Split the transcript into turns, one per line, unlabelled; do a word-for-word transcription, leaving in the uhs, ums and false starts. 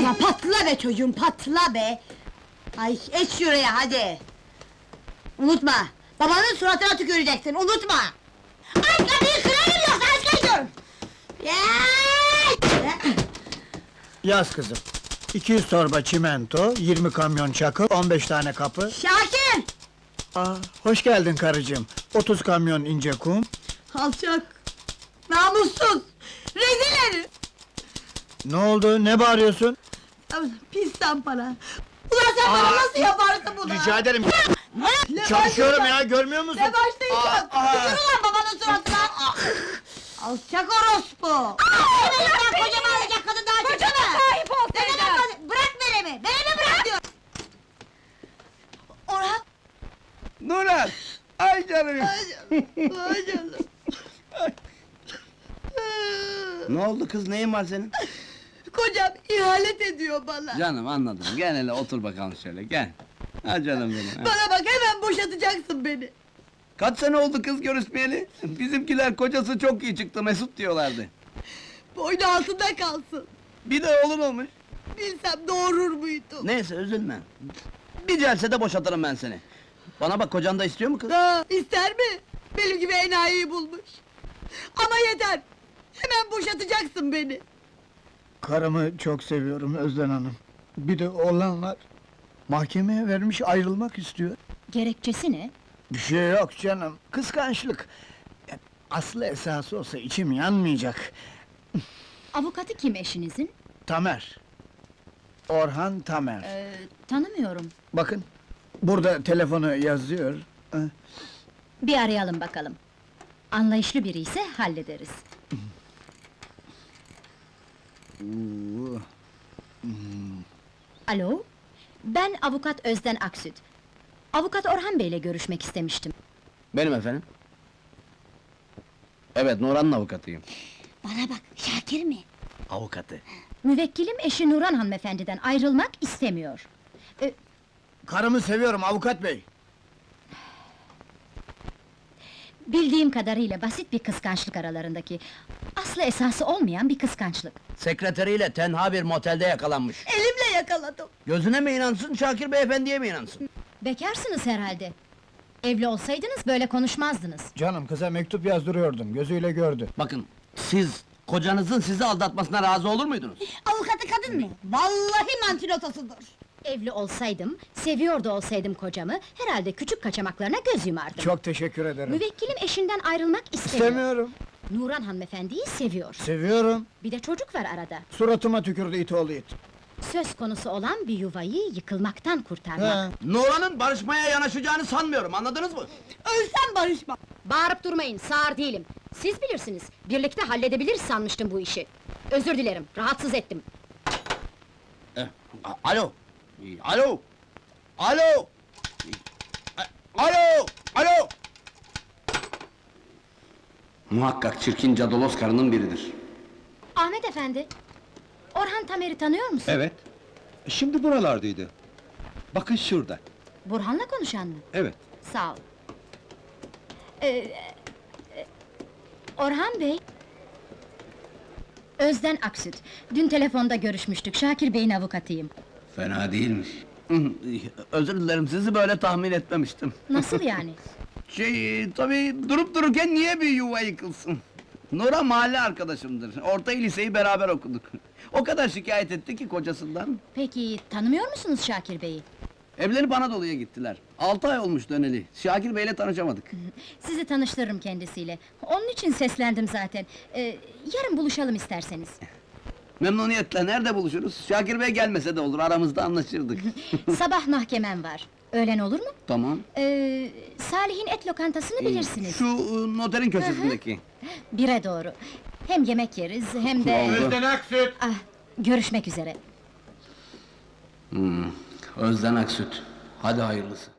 Patla, patla be çocuğum, patla be! Ay, et şuraya hadi! Unutma, babanın suratına tüküreceksin, unutma! Ay, kapıyı kırarım yoksa aç kaçıyorum!
Yaz kızım. iki yüz torba çimento, yirmi kamyon çakıl, on beş tane kapı.
Şakir!
Aa, hoş geldin karıcığım. otuz kamyon ince kum.
Alçak! Namussuz! Rezil herif!
Ne oldu, ne bağırıyorsun?
Pis para! Ulan sen bana nasıl yaparsın bunu?
Rica ederim.
Ne
Çalışıyorum
başlayacağım?
ya, görmüyor musun?
Ne başlayacağım?
Aa, aa.
Tükür ulan babanın suratına! Alçak orospu! Benim ben kocamı alacak kadın daha çıksana! Kocama sahip ol Sevda! Bırak Merem'i! Merem'i bırak diyor! Orhan!
Nurhan! Ay canım!
Ay canım! Ay canım!
Ne oldu kız, neyin var senin?
Kocam ihanet ediyor bana!
Canım anladım, gel hele otur bakalım şöyle, gel! Ha canım benim! ha.
Bana bak, hemen boşatacaksın beni!
Kaç sene oldu kız görüşmeyeli? Bizimkiler kocası çok iyi çıktı, Mesut diyorlardı.
Boynu altında kalsın!
Bir de oğlun olmuş.
Bilsem doğurur muydum?
Neyse, üzülme. Bir celsede boşatırım ben seni. Bana bak, kocan da istiyor mu kız?
Ha, ister mi? Benim gibi enayiyi bulmuş! Ama yeter! Hemen boşatacaksın beni!
Karımı çok seviyorum Özden Hanım. Bir de oğlan var. Mahkemeye vermiş, ayrılmak istiyor.
Gerekçesi ne?
Bir şey yok canım, kıskançlık. E, Aslı esası olsa içim yanmayacak.
Avukatı kim eşinizin?
Tamer. Orhan Tamer.
Ee, tanımıyorum.
Bakın, burada telefonu yazıyor. Eh,
Bir arayalım bakalım. Anlayışlı biri ise hallederiz.
oo.
Alo? Ben avukat Özden Aksüt. Avukat Orhan Bey'le görüşmek istemiştim.
Benim efendim. Evet, Nurhan'ın avukatıyım.
Bana bak, Şakir mi?
Avukatı.
Müvekkilim eşi Nurhan hanımefendiden ayrılmak istemiyor. Ee,
Karımı seviyorum avukat bey.
bildiğim kadarıyla basit bir kıskançlık aralarındaki... ...aslı esası olmayan bir kıskançlık.
Sekreteriyle tenha bir motelde yakalanmış.
Elimle yakaladım!
Gözüne mi inansın, Şakir beyefendiye mi inansın?
Bekarsınız herhalde. Evli olsaydınız böyle konuşmazdınız.
Canım, kıza mektup yazdırıyordum, gözüyle gördü.
Bakın, siz kocanızın sizi aldatmasına razı olur muydunuz?
Avukatı kadın mı? Vallahi mantilotosudur!
Evli olsaydım, seviyor da olsaydım kocamı... ...herhalde küçük kaçamaklarına göz yumardım.
Çok teşekkür ederim.
Müvekkilim eşinden ayrılmak istemiyor.
İstemiyorum.
Nurhan hanımefendiyi seviyor.
Seviyorum.
Bir de çocuk var arada.
Suratıma tükürdü it oğlu it.
Söz konusu olan bir yuvayı yıkılmaktan kurtarmak.
Ha.
Nurhan'ın barışmaya yanaşacağını sanmıyorum, anladınız mı?
Ölsem barışmam!
Bağırıp durmayın, sağır değilim. Siz bilirsiniz, birlikte halledebiliriz sanmıştım bu işi. Özür dilerim, rahatsız ettim.
Eh, a- alo! Alo! Alo! A- Alo! Alo! Muhakkak çirkin cadolos karının biridir.
Ahmet efendi, Orhan Tamer'i tanıyor musun?
Evet. Şimdi buralardaydı. Bakın şurada.
Burhan'la konuşan mı?
Evet.
Sağ ol. Ee, e, Orhan Bey... Özden Aksüt, dün telefonda görüşmüştük, Şakir Bey'in avukatıyım.
Fena değilmiş. Özür dilerim, sizi böyle tahmin etmemiştim.
Nasıl yani?
Şey, tabii durup dururken niye bir yuva yıkılsın? Nurhan mahalle arkadaşımdır, orta liseyi beraber okuduk. O kadar şikayet etti ki kocasından.
Peki, tanımıyor musunuz Şakir Bey'i?
Evlenip Anadolu'ya gittiler. Altı ay olmuş döneli, Şakir Bey'le tanışamadık.
Sizi tanıştırırım kendisiyle. Onun için seslendim zaten. Ee, yarın buluşalım isterseniz.
Memnuniyetle, nerede buluşuruz? Şakir Bey gelmese de olur, aramızda anlaşırdık.
Sabah mahkemem var. Öğlen olur mu?
Tamam.
Ee, Salih'in et lokantasını bilirsiniz.
Şu e, noterin köşesindeki.
Bire doğru. Hem yemek yeriz, hem de...
Oldu.
Aksüt!
Ah, görüşmek üzere.
Hmm, Özden Aksüt. Hadi hayırlısı.